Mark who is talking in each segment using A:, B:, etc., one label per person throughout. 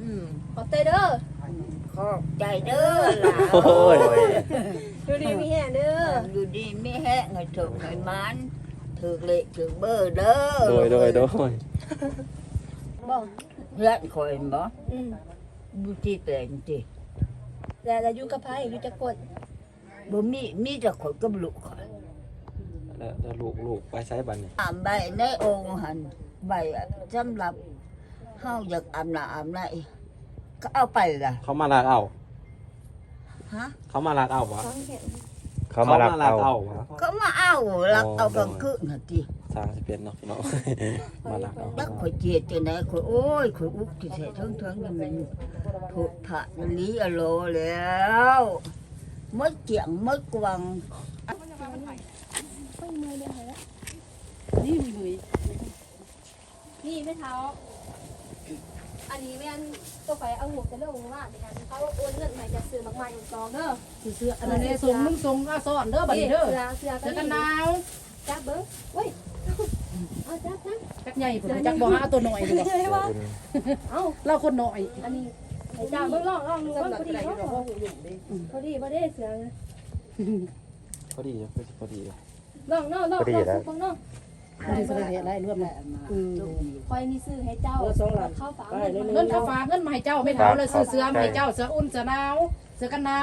A: ขอบใจเด้อ
B: ขอบใจเด้อล่ะ
C: โอ้ย
A: ดูดีมีแห่เด้อ
B: ดูดีไม่แห้งให้ถูกให้มันถูกเละถูกเบอร์เด้อ
C: โดย
A: บอก
B: เพื่อนคอยบ่
A: อืม
B: ดูที่แต่งจิ
A: แล้วอยู่กับไผอยู่จักคน
B: บ่มีแต่คนกับลูกคอย
C: แล้วลูกไปใช้บันนี่
B: ใบในองค์หันใบสำหรับเฮาอยากอาบน้ำอาบไหนก็เอาไปล่ะ
C: เขามาลากเอา
B: ฮะ
C: เขามาลากเอาวะ
A: ฟังเห็น
C: เขามาลากเอาวะ
B: ก็มาเอาลักเอากลางคืนน่ะติ
C: สร้างสิเป็นเนาะพี่น้อง มาลากเอา
B: ดักข่อยเจียดจังได๋ข่อยโอ้ยข่อยอุกที่แท้ทั้งๆนี่มันถูกพระลีอโลแล้วมดเกียงมดกวาง
A: นี่ไม่เท้าอันนี้แม่นตัวไฟเอาหัวจะเรื่องว่าในการเขาโอนเงินใหม่จะซื้อมากมายกองเด้อ
D: เสื้ออันนี้ส่งมึงส่งก็สอนเด้อบัดนี้เด้อ
A: เสื้อ
D: เสื้อกันหนาว
A: จับเบิ้งเว้ยเอาจับ
D: จักใหญ่ผมจักบ่หาตัวหน่อยดีกว่า
A: เลยว่าเอา
D: เราคนหน่อย
A: อันนี้ไอ้จ้าเบิ้งลองดูว่าพอดีพอดีเสือ
C: พอดีเลยพอดีเลย
A: ลองน้องน้องน้อง
D: ได้สระอะไรรวมแล้ว
A: คอยนี่ซื้อให้เจ้าเข้าฝา
D: เงินข้าวฝากเงินมาให้เจ้าไม่เท่าเลยซื้อเสื้อมาให้เจ้าเสื้ออุ่นเสื้อหนาวเสื้อกันหนาว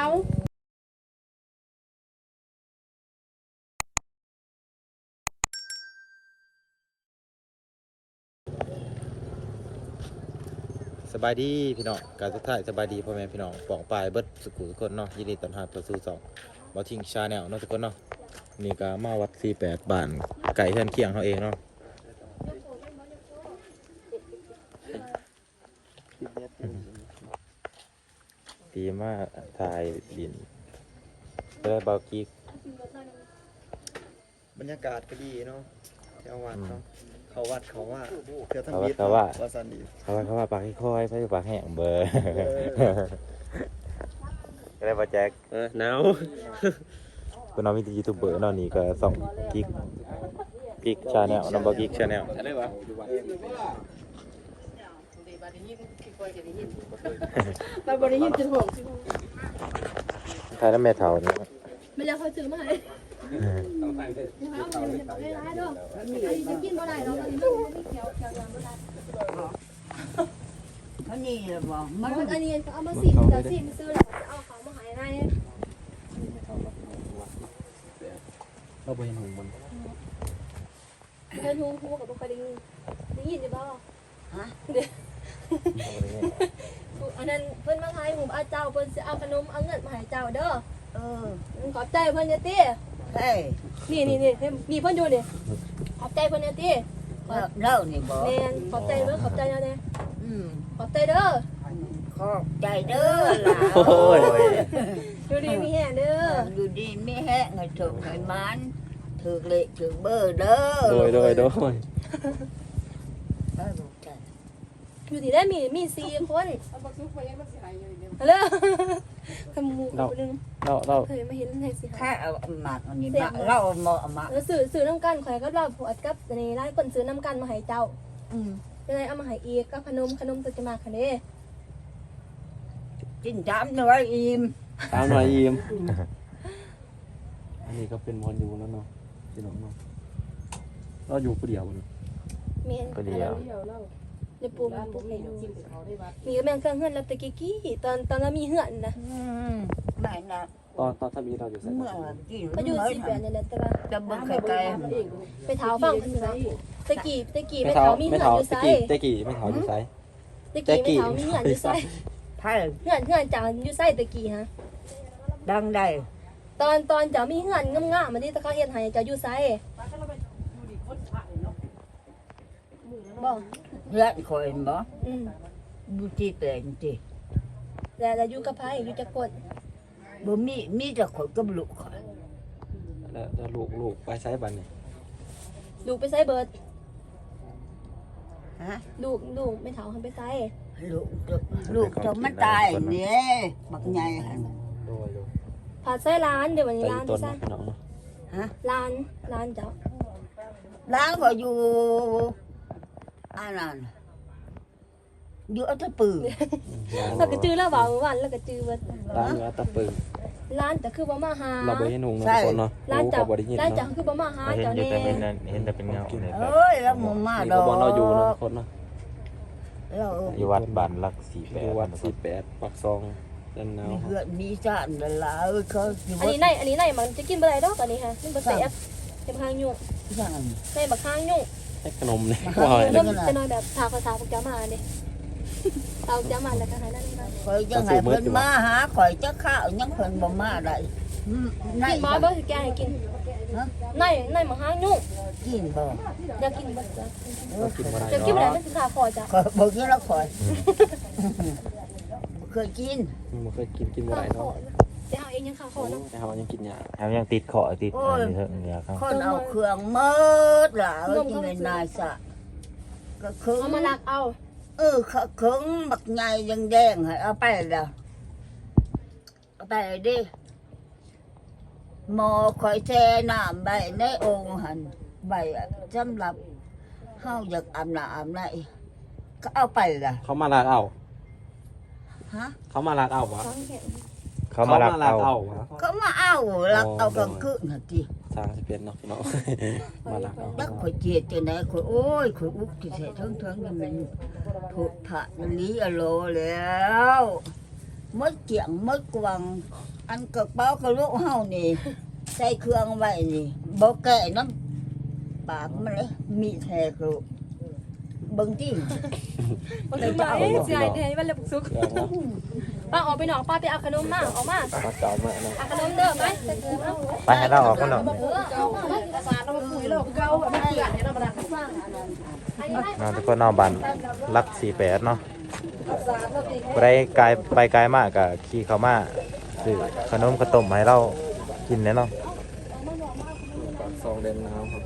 C: สบายดีพี่น้องการสุดท้ายสบายดีพ่อแม่พี่น้องป่องปลายเบิดสุขุทุกคนเนาะยินดีต้อนรับเข้าสู่ช่องบ่ทิ้งชาแนลเนาะทุกคนเนาะนี่ก็มาวัด48บ้านไก่เฮือนเคียงเขาเองเนาะดีมากถ่ายดินได้เบากิ๊ก
E: บรรยากาศก็ดีเนาะแถววัดเนาะเขาวัดเขาว่าเดี๋ยวทำ
C: เขา
E: ยิ
C: ว่า
E: ว่าสันดี
C: เขาว่าปากให้ค่อยไปปากแห้งเบอร์ก็ได้บาแจ็คหนาวเป็นน้องมิตรยูทูบเบอร์เนาะนี่ก็ส่องกิ๊กชาแนลน้องบอกิ๊กชาแนล
E: อะไรวะ
D: ไปบริยินจนหง
C: ถ่ายน้ำแม่เถานี่
A: ไม่แล้วเขาซื้อมาให้ให้ร้ายด้วยจะกินบ่ได้เราตอนนี้ไม่เขียวยังไม่ได้
B: เขานี่ล่ะบ่มั
A: มัน นอันนี้เอามาสิจะสิมาซื้อแล้วจะเอาของมาหายให้
C: เราไปเห็นหงมัน
A: เดินฮูกับบุคคลได้ยินอยู่บ่ฮะอันนั้นเพิ่นมาขายหมูอาเจ้าเพิ่นสิเอาขนมเอาเงินมาให้เจ้าเด้อขอบใจเพิ่นเนี่ยติ
B: เฮ้ย
A: นี่เพิ่นอยู่นี่ขอบใจเพิ่นเนี่ยติ
B: เล่านี่บ่
A: แม่นขอบใจเด้อขอบใจเด้อ ขอบใจเด้อ
B: ขอบใจเด้อล่ะ
C: โอ้ย
A: ดูดีมีแห่เด้อ
B: ดูดีไม่แห้งให้ถูกให้มันถูกเละถูกเบอร์เด้อ
C: โดย
B: เออลูกใจ
A: อยู่ที่ได้มี4คนฮัลโหลขมูกนึง
C: เรา
A: เคยมาเห็นในสิ
B: ถ้าเอาหมากอันนี้มาเราเอาหมอเอามา
A: แล้วซื้อน้ำกันข่อยก็เราผัวกับในร้านคนซื้อน้ำกันมาให้เจ้ายังไงเอามาให้อีกก็ขนมตัวจะมาคันนี้
B: กินจามหน่อยอิ่ม
C: ตามหน่อยยิ้มอันนี้ก็เป็นวันอยู่แล้วเนาะพี่น้องเนาะเราอยู่คนเดียวนะ
A: เมียน
C: คนเดียว
A: เดี๋ยวปูให้ดูมีก็แม่งเครื่องเฮือนแล้วตะกี้ตอนเรามีเฮือนนะ
B: ไม่นะ
C: ตอนถ้ามีเราอยู่ใส่
B: เมื่อกิน
A: ก็อยู่
B: น้อย
A: 10 เดือนนี่แหละแต่ว่า
B: จะเบิ่งไข่ไก่
A: ไปเท้าฟังคือว่าตะกี้ไม่เท้ามีเฮือนอยู่ไส
C: ตะกี้ไม่เถาอยู่ไซ
A: ตะกี้ไม่เท้ามีเฮือนอยู่ไส
B: ไผ่
A: เฮือนจ้าอยู่ไสตะกี้ฮะ
B: ดังได้
A: ตอนเจ้ามีเฮือนงามๆมันนี่ตะเขาเฮ็ดให้เจ้าอยู่ไสบ่
B: เพื่อนคอยบ่
A: อืม
B: ดูที่แต่งจิ
A: แล้วอยู่กับไผอยู่จักคน
B: บ่มีแต่คนกับลูกคอย
C: แล้วลูกไปใช้บันนี่
A: ลูกไปไสเบิด
B: ฮะ
A: ลูกไม่เท้าหันไปไส
B: ลูกจะมันตายเนี่ยบักใหญ่หั่น
C: โดย
A: พาไส้ร้านเดี๋ยววันนี้
C: ไป
A: ร้าน
C: ต้
A: ที่
C: น
A: ไส้
C: พี่น้องเนาะ
B: ฮะ
A: ร้านเจ้า
B: ล้างก็อยู่อันนั้นอยู่อัตตปือ
A: แล้วก็จื้อแล้วบ่วันแล้วก็จื้อเบิด
E: ร้านวัดตะปึง
A: ร้านแต่คือบ่มาหา
E: เราบ่เห็นหุงเนาะทุกคนเนาะ
A: ร้าน
E: รู้
A: เจ้า
E: เขาบ่ได้ยิน
A: ร้านเจ้า
E: เนาะ
A: คือบ่มาหา
C: เห็น
A: เจ้า
C: อยู่
A: นี่
C: แต่เห็นแต่เป็นเงาเนี่ยครับ
B: เอ้ยแล้วบ่มา
E: นี่
B: ดอ
E: ก็
B: ก
E: บ่เราอยู่เนาะทุกคนเนาะ
B: เรา
C: อยู่วัดบ้านหลัก
E: อยู่วัด
C: 48
E: 48ปักซองด้านหนาว
B: มีเหือดมีจานนั่นล่ะเอ้ยเขาสิ
A: อันนี้ในมันจะกินบ่ได้ดอกอันนี้ค่ะมันบ่แซ่บเป็นข้างยุ่ง
B: สั่ง
A: ในบักข้างยุ่ง
E: ให้ขนมเนี่ย
B: มา
E: ว่า
B: ให้
A: เริ่มจะน้อยแบบทาภาษาพวกเจ้ามาเด้เตาเจ้ามาแล้วก็ให้นั่นนี่
B: ข่อยจังให้เพิ่นมาหาข่อยจักข้าวยังเพิ่นบ่มาได้ใน
A: กินบ่บ่สิแกให้กินในบักข้างยุ่ง
B: กินบ่
A: อยากกินบ่จ้ะ
E: เรากินบ่ได้
A: จะกินบ่ได้
E: เนาะ
A: มันสิขาคอจ้ะ
B: ข่อยบ่กินแล้วข่อยบ่เคยกิน
E: บ่เคยกินบ่
A: ขา
E: ได้
A: คอ
E: เนาะ
A: แต่เอาเองยังขาคอเนาะ
E: แต่เฮายังกินยา
C: แถมยังติดเขอติดอันนี้เถอะเนี่ยครับ
B: คนเอาเครื่องหมดล่ะเอ้ยกินเป็นนายซะก็คือ
A: เอามาลักเอา
B: เครื่องบักใหญ่แดงๆให้เอาไปแล้วเอาไปดิหมอข่อยแช่น้ำใบในโอ่งหั่นใบสำหรับเฮาอยากอาบน้ำอาบไหนก็เอาไปล่ะ
E: เขามาลากเอา
B: ฮะ
E: เขามาลากเอาวะ
A: ฟังเห็น
C: เขามาลักเอา
E: วะ
B: ก็มาเอาลักเอากลางคืนน่ะติ
E: สร้างสิเป็นเนาะพี่น้องมาลากเอา
B: ยักข่อยเจียดจังได๋ข่อยโอ้ยข่อยอุกที่แท้เทิงๆนี่มันโผดผะมันลีอะโลแล้วมดเกียงมดกวังอันกระเป๋ากระลูกเฮานี่ใส่เครื่องไว้นี่บ่แก่น้ำปากมันเลยมีแท้กระลูกเบิ่งติ
A: มันคือมาเอ๊ะสิให้ได้มันเลยสุก
E: เครื่องเนาะ
A: ป้าออกไปหนองป้าไปเอาขนมมาออกมา
E: มาเก่ามาเนาะ
A: เอาขนมเด้อไปใส่เกลือเอา
C: ไปให้เราออกกันเนาะ
A: เอามา
D: ภาษาเราคุยเราคือเก่าแบบมันเกลื่อนเนี่ยเราบ่ได้
A: อันนี้ให้
C: เนาะทุกคนเนาะบ้านหลัก48เนาะบ่ได้ไกลไปไกลมากก็ขี่เข้ามาซื้อขนมข้าวต้มให้เรากินแน่เนาะ
E: ปักซองเด่นหนาวครับ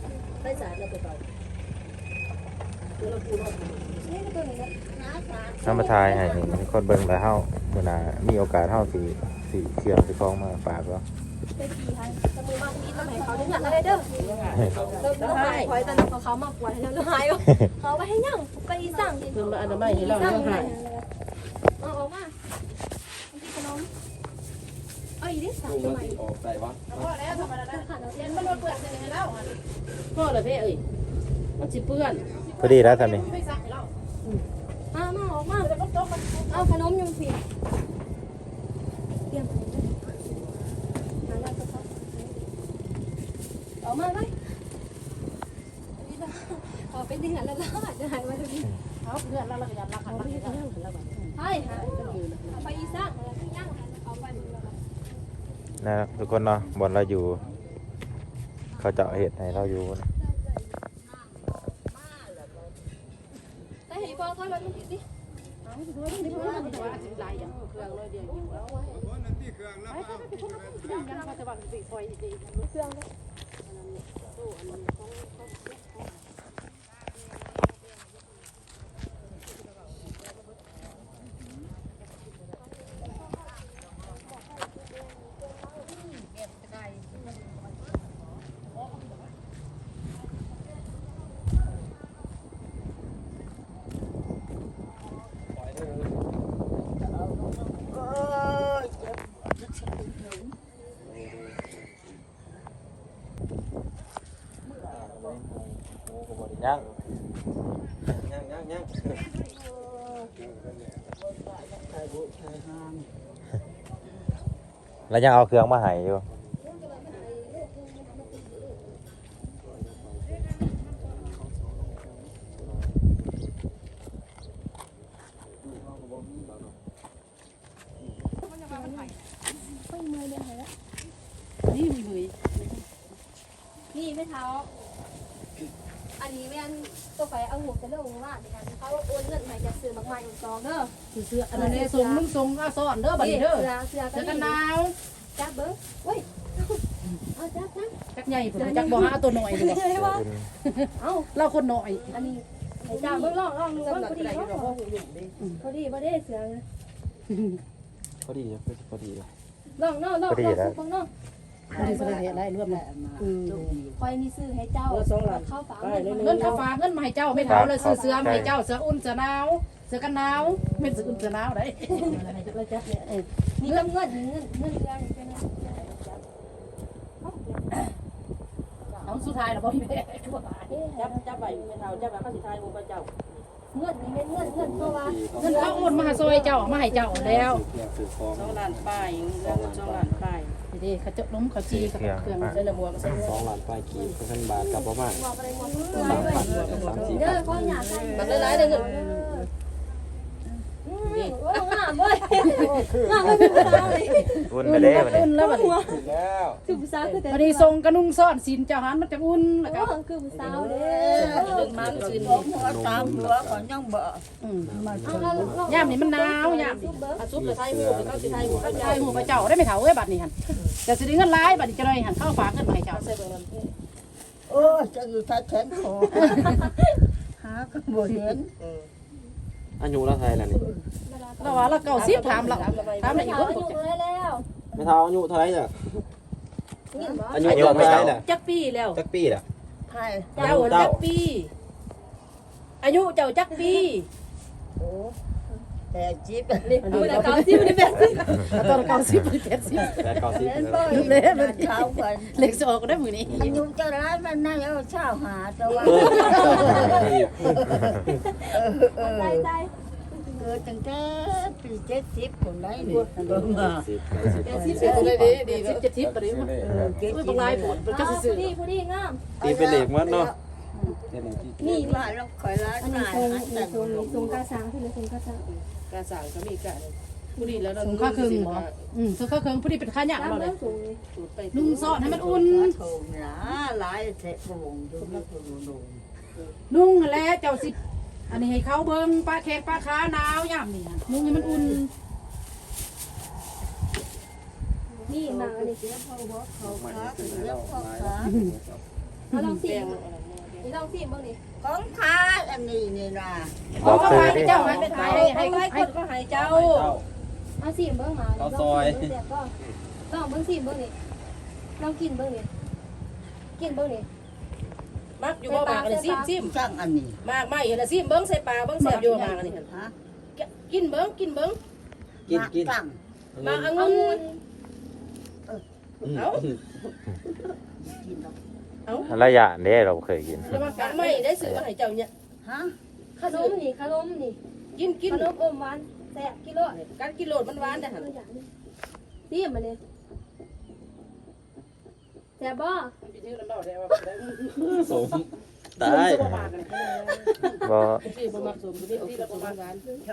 C: น้ำมาทายให้ทุกคนเบิ่งแล้วเฮามื้อหน้ามีโอกาสเฮาสิเชื่อมสิฟ้องมาฝากเนาะ
A: ไปขี่ให้สมุนบางทีต้องให้เขาดึงหันอะไรเด้อเริ่มต้องหายคอยตอนนั้นเขามากกว่าให้เราหายเขาไปให้ยังไปอีสั่งกิน
D: เพิ่นมาอนามัยให้เรา
A: สั่ง
D: เนาะค่ะ
A: เอาออกมาขนมเอาอีกดิสั่ง
E: ลุง
A: ทำ
E: แล้ว
A: ไม
E: สิออกได้วะ
D: พอแล้วธรรมดา
A: ขันเอา
D: เรี
A: เย็
D: ย
A: น
D: น
A: มั
D: มัน นบ่เปื้อนใส่ให้เราพ่อเลยเพ่เอ้ยมันสิเปื้อน
C: พอดีแล้วท่านนี่
D: ไม่ซักให้เรา
A: มาออกมาเอาขนมยังผิดเตรียมออกมาไหมขอเป็นดึงหันแล้วจะหายมาดูดิ
D: เอาเพื่อนเราก็ยันรักกันรักกันแล้วแบบ
A: ใช่ค่ะไปอีสั่งแล้วที่ย่างเอาไป
C: นะครับทุกคนเนาะบ่อนเราอยู่ เขาเจาะเห็ดให้เราอยู่นะ
A: แต่เห็นพอเขาแบบมันติดดิ
D: เอาไปด้วยนี่เพื่อนว่าสิหลายอย่างเครื่องเลยเดียวอยู่แล้วไปยังเขาจะว่าสิซอยดีๆ
A: เครื่องเลย
B: โอ้ย
C: ยัง
E: ยัง
C: แล้วยังเอาเครื่องมาให้อยู่
D: นี่มือ
A: นี่ไม่เท้าอันนี้ไม่อันตัวไฟเอาหัวจะเลิกว่าในการเขาโอนเงินใหม่จะซื้อมากมายอยู่กองเด้อ
D: เสื้ออันนี้ส่งมึงส่งก็สอนเด้อบัดนี้เด้อ
A: เสือ
D: เสื้อกันหนาว
A: จับเบิ้งเว้ยเอาจับ
D: จักใหญ่พุ่นจักบ่หาตัวหน่อยดีกว่า
A: เลยว่าเอา
D: เราคนหน่อย
A: อันนี้ไอ้จ้าเบิ้งลองดูว่าพอดีพอดีพอดีเสือ
E: พอดีพอดีเลย
A: ลองน้องน้องน้อง
D: บ่ได้แสดงอะไรรวมแล้ว
A: คอยมีซื้อให้เจ้าเข้าฝา
D: เงินค่าฝากเงินมาให้เจ้าไม่เท่าเลยซื้อเสื้อมาให้เจ้าเสื้ออุ่นเสื้อหนาวเสื้อกันหนาวเป็นเสื้ออุ่นเสื้อหนาวได้
A: นี่ก็เงินเดือนเป็น
D: เอาสุดท้ายแล้วพ่อพี่แม่
F: จับไปไม่เท่าจับไปข้าสิทายมูพระเจ้า
A: เงินนี่เป็นเงินเพราะว่า
D: เงินเขาโอนมาซอยเจ้ามาให้เจ้าแล้ว
F: 2 ล้านป้ายเรื่อง2 ล้านป้าย
D: ดีเขาจะล้มเขาจีกับเครื่อง
F: เส้นละบัวก็ใส่
E: 2 ล้านปลายกีบพันบาทกับประมาณ
A: บอกอะไรหมดเด้อเขาอยากได้
F: มันหลายๆเด้อเงิน
A: โอ้งามเว้ยงามไม่เป็นไร
C: อุ่นไปเลยวันนี้
D: อุ่นแล้วบัดนี้
E: แล้ว
A: คือผู้สาวคือแต่
D: พอดีทรงกระนุ่งซ่อนสินเจ้าหันมันจะอุ่นแล้วก็
A: คือผู้สาวเด้
F: เรื่องมันสิน
B: ผมหัวตามหัวก่อนยังบ่
D: ย่ามนี่มันหนาวยามนี่
F: อาซุปจะทายมูเขาสิทายมูพระ
D: ใช่
F: เจ้า
D: หมู่พระเจ้าได้ไม่เท่าเอ้ยบัดนี้หันแต่สิได้เงินหลายบัดนี้จะได้หันเข้าฝากเงินมาให้เจ้า
F: ใส่เบิ่งมัน
B: โอ้จะอยู่ทัดแขนคอหาก็บ่เห็น
E: อายุแล้วไทยแล้วนี่
D: เราว่าเราเก่าสิถามเราถามอะไรอีก
A: เขา
D: บ่
A: อยู่เลยแล้ว
E: ไม่เท่าอายุเท่าไหร่จ้ะ
A: นี่บ่
E: อายุเท่าไหร่ล่ะ
F: จักปีแล้ว
E: จักปีล่ะ
B: ไทย
F: เจ้าจักปีอายุเจ้าจักปี
B: โอ้แต่จิ๊บ
A: นี่ผู้ใดเก่าสิผู้ใดแบบสิ
D: ตอนเก่าสิบหรือ70
E: แต่เก่าสิ
B: เห็นบ่
D: เละ
B: เช้าก่อน
D: เล็กสออกได้มื้อนี้
B: อายุจะร้ายมันน่าเอาเช้าหาตัว
A: ใจใจ
B: เกิดตั้งแต่ปี70คนได้นี่เบิ่งมา
D: สิบได้ดี10 70บัดนี้มัน
B: 70
D: บางรายปวดมันจะซื่อ
A: นี่ผู้ดีงาม
E: ตีเป็นเหล็กมั้งเนาะ
B: นี่ว่าเราคอยร้าน
A: อันนี้
B: นาย
A: ทรง
B: หันแต่
A: ทรงกาสางที่เลยทรงกาสาง
F: การสั่งก็มีกันผู้ดีแล้ว
D: ๆสงค่าเครื่องบ่สงค่าเครื่องพอดีเป็นค่าหยัง
A: ตาม
D: เราเล
A: เรื่
D: ย
A: องสูงเลย
F: ไป
D: นุ่งซ่อนให้มันอุ่น
B: โทมนะหลายเสะบ่งอยู่ไม่ถูกดู
D: นุ่งแล้วเจ้าสิอันนี้ให้เขาเบิ่งปลาแขกปลาขาหนาวยามนี่นุ่งให้มันอุ่น
A: นี่มาอันนี้
B: เขาขาถึงแล้วเขาขา
A: เอาลองสินี่ลองสิบ้างนี่
B: ของขาอันนี้นี่นะ
C: บอกซื้อดิ
D: เจ้าให้ไป
F: ให้
D: ให้
F: ให้
D: ให้
F: คนก็ให้เจ้า
A: เอาสิเบิ้งมาก็ต้องเบิ้งสิเบิ้งนี่ลองกินเบิ้งนี่กินเบิ้งนี่
F: มักอยู่บ่มากอันนี้ซิม
B: ช่างอันนี้
F: มากไม่เห็นละซิมเบิ้งใส่ปลาเบิ้งแซ่บอยู่มากอันนี้
B: ฮะ
F: กินเบิ้ง
E: กิน
B: ตั้ง
F: มากองุ่นเอา
C: ระยะนี้เราเคยกิน
F: แล้วมากะไม่ได้ซื้อมาให้เจ้าเนี่ย
B: ฮะ
A: ขนมนี่ขนมนี่
F: กิน
A: ขนมอมหวานแซ่บกิโล
F: การกินโลดมันหวานได้หั่น
A: สิมาเนี่ยแซ่บบ่
E: สมตาย
C: บ่
F: ที่บ่มักสมที่ที่เราบ่มักหวาน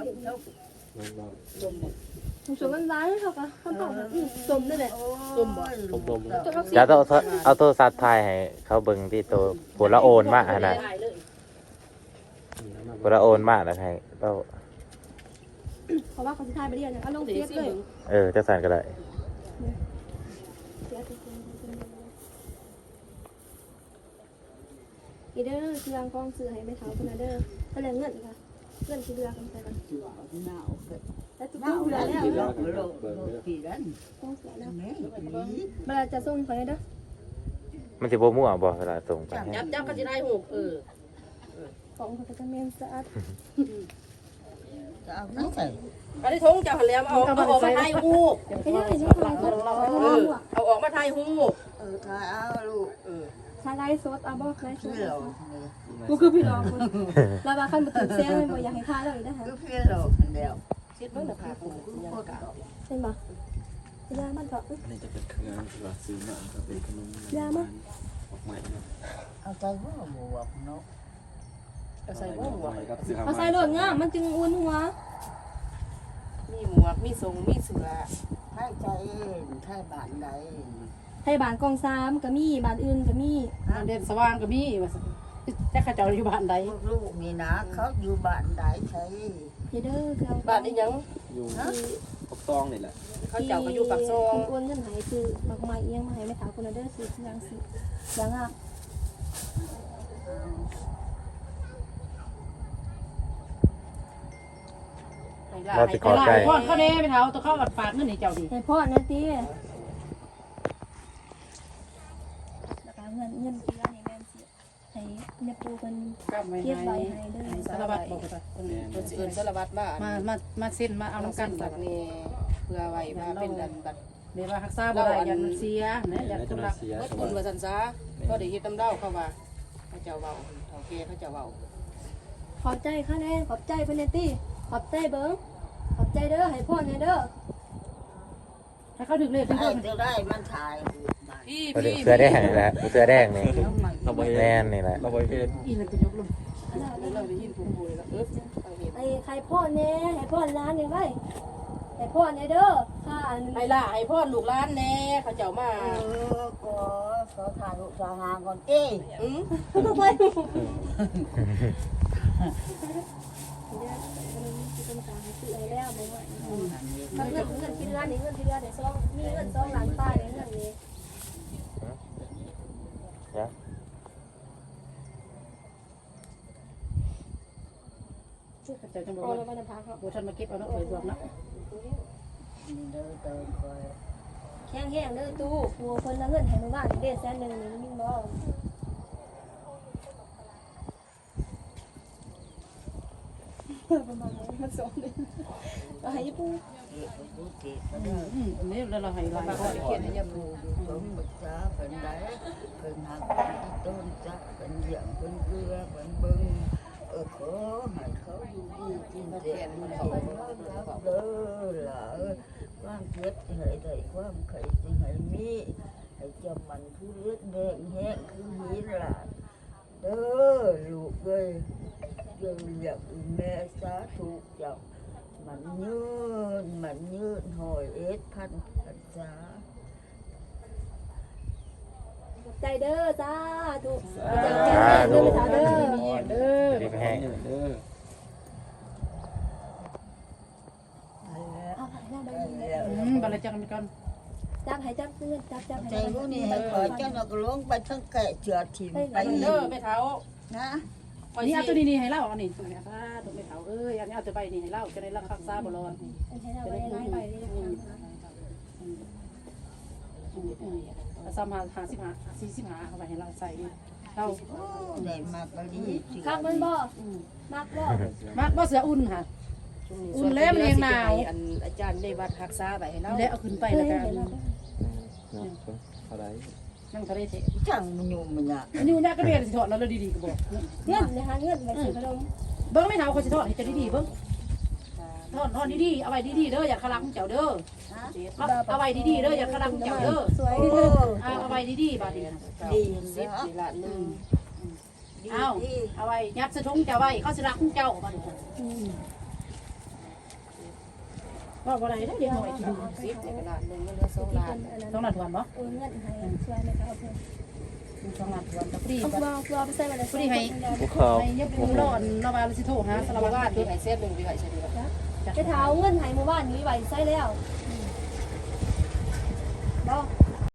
A: สมมันหวานเท่ากับข้าวต้มสมนั่นแหละ
B: ต้มบ่
C: จะต้องเอาโทรศัพท์ถ่ายให้เขาเบิ่งที่ตัวผู้ละโอนมาขนาดผู้ละโอนมาแล้วให้เรา
A: เพราะว่าเขาสิทายไปเรียนเนี่ยเอาลงเฟซเลย
C: จะสั่นก็ได้
A: อีเด้อเครื่องกองซื้อให้ไปเท้าคุณเด้อเท่าไหร่เงินค่ะเงินที่เรือกันไปกัน
B: หนาวเกิด
A: แล้วทุก
B: หนาว
A: เรือ
B: แล้ว
A: แล้ว
B: โลกี่นั้น
A: ต้องเสียแล้ว
B: แม่
A: เวลาจะส่งไปเด้อ
C: มันสิบ่มั่วบ่เวลาส่งไป
F: จับก็สิได้หูก
A: ของเขาจะเมนสะอาด
B: จะเอาน้ำใส่
F: อันนี้ทงเจ้าหันแล้วเอาออกมาถ่ายหูก
A: ไม่ได้นี่ค่ะ
F: เอาออกมาถ่ายหูก
B: ทายเอาลูก
A: ใช้ไลฟ์สดเอาบอกไลฟ์ส
B: พี่
A: ด
B: เรา
A: กูคือพี่น้องแล้วบางครั้งมาตื่นเต้นเลยบ่อยากให้ทายแล้วอีกนะคะ
B: ก็พี่เราคนเดียว
F: คิดเบิ่งน่ะค่ะผมยังกะ
A: เห็นบ่ยามันเถอะ
E: นี่จะเป็นเครื่องว่าซื้อเนี่ยก็เป็นขนม
A: ยามัน
E: ออกใหม่
B: เอาใจว่าบวกเนาะ
F: ก็ใส่บ่หมวก
E: กับซื้อ
A: เอาใส่โดดงามมันจึงอุ่นหัว
F: มีหมวกมีทรงมีเสื้อ
B: ให้ใจให้บ้านใด
A: ให้บ้านกอง3ก็มีบ้านอื่นก็มี
D: มันเด่นสว่างก็มีว่าจักเขาเจ้าอยู่บ้านใด
B: ลูกนี่นะเขาอยู่บ้านใดใช่
A: เด้อเครื่อง
F: บ้านนี้ยัง
E: อยู่ปกตองนี่แหละ
F: เขาเจ้าก็อยู่ปากซอง
A: อ้วนเงินหายคือดอกไม้เอียงมาให้แม่สาวคนเด้อซื้อยังสิยังอ่ะ
C: เราสิขอใจ
D: พ่อเขาเด้ไปเท้าตัวเขาฝากเงินให้เจ้าดิ
A: ให้พ่อนะติแล้วก็เงินที่ว่านี่แม่นสิให้เนี่ยปูเป็น
D: กลับไว้
A: เก็บไว้
D: ให้
A: ให้เด้อ
D: สารวัตรบอกไป
F: เพิ่นสิเอิ้นสารวัตรมา
D: มาเส้นมาเอาน้ำกัน
F: บักนี่เพื่อไว้ว่าเป็นดันบัด
D: เดี๋ยวว่ารักษาบ่ได้ยันมันเสียนะยันคนรัก
F: เบิดบุญว่าซั่นซะก็ได้เฮ็ดน้ำเด้าเขาว่าเขาเจ้าเว้าเฒ่าแก่เขาเจ้าเว้า
A: ขอบใจค่ะแน่ขอบใจเพิ่นแน่ติขอบใจเบิ่งขอบใจเด้อให้พ่อแน่เด้อ
D: ถ้าเขาถึงเลขที่
B: ได้
D: เพิ่น
B: จะได้มันถ่าย
F: พี่
C: เสื้อแดงนี่แหละเสื้อแดงนี่
E: เราบ่เห็น
C: แม่นนี่แหละ
E: เราบ่เห็น
D: อีนั่นจะยกลง
F: เราได้ยินผู้ป่วยแล้วเอาเห็น
A: ไอ้ใครพ่อแน่ให้พ่อร้านนี่ไว้ให้พ่อแน่เด้อค่ะอัน
F: ให้ล่ะให้พ่อลูกหลานแน่เขาเจ้ามา
B: ก็ขอถ่ายรูปสาหาก่อนเอ้
F: อือ
A: ต้องไปแล้วบ่ว่าเงินที่ร้านนี่เงินที่ร้านได้2มีเงิน2ล้านป้าเงินนี้
C: จ้ะ
D: เจ้าจังบอก
A: เอา
D: ว่า
A: แล้วมันพาเขา
D: บ่ทันมาเก็บเอาเนาะเอ้ยรวมเนาะ
B: เดินเติมคอย
A: แห้งๆเด้อตู้หัวคนละเงินให้มื้อบ้านเด้100,000นี่มีบ่ประมาณนั้นมัน2เดือนก็ให้ปู
B: เก็บไปดูเก็บไป
D: อันนี้แล้วเราให้หลาย
F: มา
D: ค
F: ขอน เขียนให้ยาปู
B: สมบัติจ้าเป็นได้เป็นหักเป็นต้นจ้าเป็นเหยียงเป็นเกลือเป็นเบิ้งขอให้เขาอยู่ดีกินเสียงมันเขารับเด้อล่ะความเจ็บให้ได้ความไข่สิให้มีให้จำมันคือเลือดแดงแห้งคือหินล่ะเด้อลูกเอ้ยยังอยากแม่สาธุเจ้ามันยืนหอยพันษา
A: ใจเด้อจ้าถูกเด้อไปถามเด้อ
D: เด้อ
C: ดีไปแห้ง
E: เด้อ
A: เอาไปนั่งไป
D: บัลลังก์จังมีกัน
A: จับให้จับเงินจับ
B: ใจรู้นี่ให้ขอเจ้าหน้าก็ลงไปทั้งแกะเจือถิ่มไป
F: เด้อไปเท้า
B: นะ
D: นี่เอาตัวนี้ให้เล่าอันนี้ตัวนี้ค่ะตัวไม่เฒ่าเอ้ยอันนี้เอาตัวใบนี่ให้เล่าจะได้รักษาบ่ร้อน
A: ให้เราไปไล่ไปเลย
D: ซ้ำ55เอาไปให้เราใส่เรา
B: ได้มากก็ดี
A: ข้างมันบ่มักบ่
D: มักบ่เสืออุ่นค่ะ อุ่นแล้วมันเองหนาว
F: อันอาจารย์ได้วัดรักษาไว้ให้เรา
D: แล้วเอาขึ้นไปแล้วกัน
E: เท่าไหร่
D: นั่งทะเลเถอะ
B: ช่างมันยุ่งมันยาก
D: อันนี้มันยากก็เรียนสิถอดแล้วดีๆก็บอก
A: เงินนะคะเงินไปซื้อขนม
D: เบิ้งไม่เฒ่าเขาสิถอดให้จะดีๆเบิ้งถอดดีๆเอาไว้ดีๆเด้ออย่าคลังเจ้าเด้อเอาไว้ดีๆเด้ออย่าคลังเจ้าเด้อ
A: สวย
D: เอาไว้ดีๆบาดนี้
B: ดี
F: สิบ
B: แล้ว
F: นี่ละหนึ่ง
D: เอาไว้ยัดสะทุงเจ้าไว้เขาสิรักเจ้าบาดนี้ว่าบ่ได้เด้อเดี๋ยวหน่อยกิน
F: สิบในกระดาษหนึ่งก็เหลือ2 ล้าน
D: ต้องนัดวันบ่
A: โอนเงินให้สวยไหมคะโอเค
D: ต้องนัดวันตะปรี
A: เอาตัวไปใส่มาเลย
D: ปรีให้
E: ภูเขา
D: ให้ยับร้อนระบายสิโทรหาสาร
F: เรา
D: วัตร
F: ว่าที่ให้เส้นหนึ่งที่ให้เส้นนี้
A: ไปเท้าเงินให้หมู่บ้านนี้ไว้ใส่แล้วบ่